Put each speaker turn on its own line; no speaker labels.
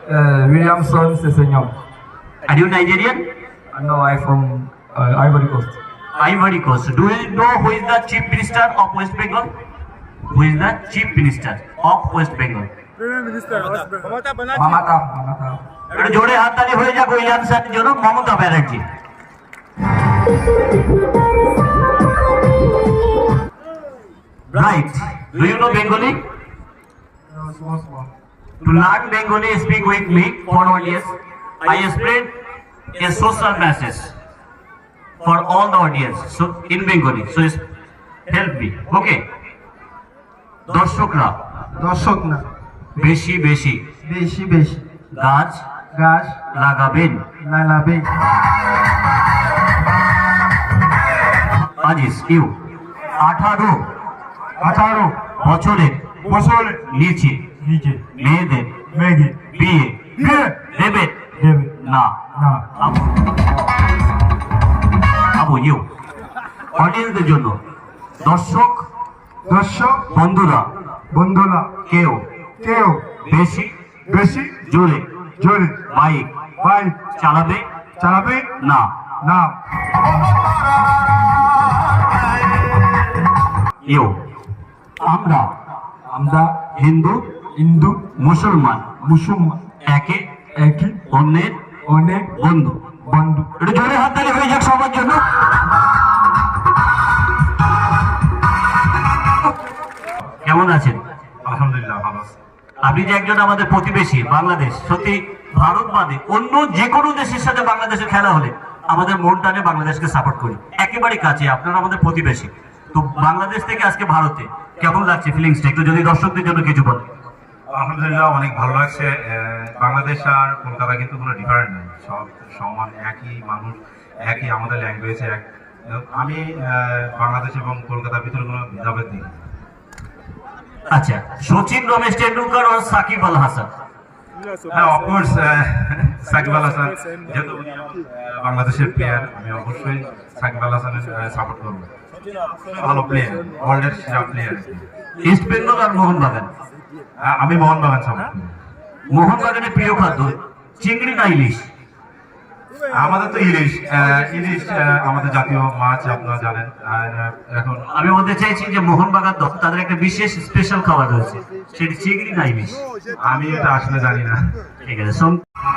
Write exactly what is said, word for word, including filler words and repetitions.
Uh, Williamson Sesenyong.
Are you Nigerian?
Uh, no, I'm from uh, Ivory Coast.
Ivory Coast. Do you know who is the Chief Minister of West Bengal? Who is the Chief Minister of West Bengal?
Mamata, Mamata.
একটু জোরে হাততালি হয়ে যাক উইলিয়ামসনের জন্য। Mamata Banerjee. Right. Do you know Bengali?
Uh, small, small.
To learn Bengali, speak with me for one year. I spread a social message for all the audience. So in Bengali. So help me. Okay. দর্শকরা
দর্শক না,
বেশি বেশি
বেশি বেশি
গাছ
গাছ
লাগাবেন।
লাগাবেন।
আজিস ইউ আঠারো
আঠারো
বছরের
বছরের
নিচে
নিচে
মেয়েদের
মেঘে
বিয়ে
বিয়ে
দেবেন
দেবে
না।
না।
আবু আবু ইউ অডিয়েন্সদের জন্য দর্শক
দর্শক
বন্ধুরা
বন্ধুরা
কেউ
কেউ
বেশি
বেশি
জোরে
জোরে
বাইক
বাইক
চালাবে
চালাবে
না।
না।
ইউ আমরা
আমরা
হিন্দু
হিন্দু
মুসলমান
মুসলমান
একে
একই
অন্যের
অনেক
বন্ধু।
বন্ধু।
একটু জোরে হাততালি হয়ে যাক সবার জন্য। কেমন আছেন?
আলহামদুলিল্লাহ ভালো আছি।
আপনি যে একজন আমাদের প্রতিবেশী বাংলাদেশ, সত্যি ভারত বাদে অন্য যে কোনো দেশের সাথে বাংলাদেশের খেলা হলে আমাদের মন টানে বাংলাদেশকে সাপোর্ট করি, একেবারে কাছে। আপনারা আমাদের প্রতিবেশী। তো বাংলাদেশ থেকে আজকে ভারতে কেমন লাগছে ফিলিংসটা একটু যদি দর্শকদের জন্য কিছু বলেন।
আলহামদুলিল্লাহ অনেক ভালো লাগছে। বাংলাদেশ আর কলকাতা কিন্তু কোনো ডিফারেন্ট নেই, সব সমান, একই মানুষ, একই আমাদের ল্যাঙ্গুয়েজ এক। আমি বাংলাদেশ এবং কলকাতার ভিতরে কোনো ভেদাভেদ দেখি।
আচ্ছা, সচিন রমেশ টেন্ডুলকার আর সাকিব আল হাসান।
হ্যাঁ, অফকোর্স সাকিব আল হাসান যেহেতু বাংলাদেশের প্লেয়ার, আমি অবশ্যই সাকিব আল হাসানের সাপোর্ট করবো। ভালো প্লেয়ার, ওয়ার্ল্ডের সেরা প্লেয়ার।
ইস্ট বেঙ্গল আর মোহনবাগান।
আমি মোহনবাগান সাপোর্ট করি।
মোহনবাগানের প্রিয় খাদ্য চিংড়ি না ইলিশ?
আমাদের তো ইলিশ, ইলিশ আমাদের জাতীয় মাছ, আপনারা জানেন। আর এখন
আমি বলতে চাইছি যে মোহনবাগান দল তাদের একটা বিশেষ স্পেশাল খাবার রয়েছে, সেটি চিংড়ি না ইলিশ?
আমি এটা আসলে জানি না।
ঠিক আছে।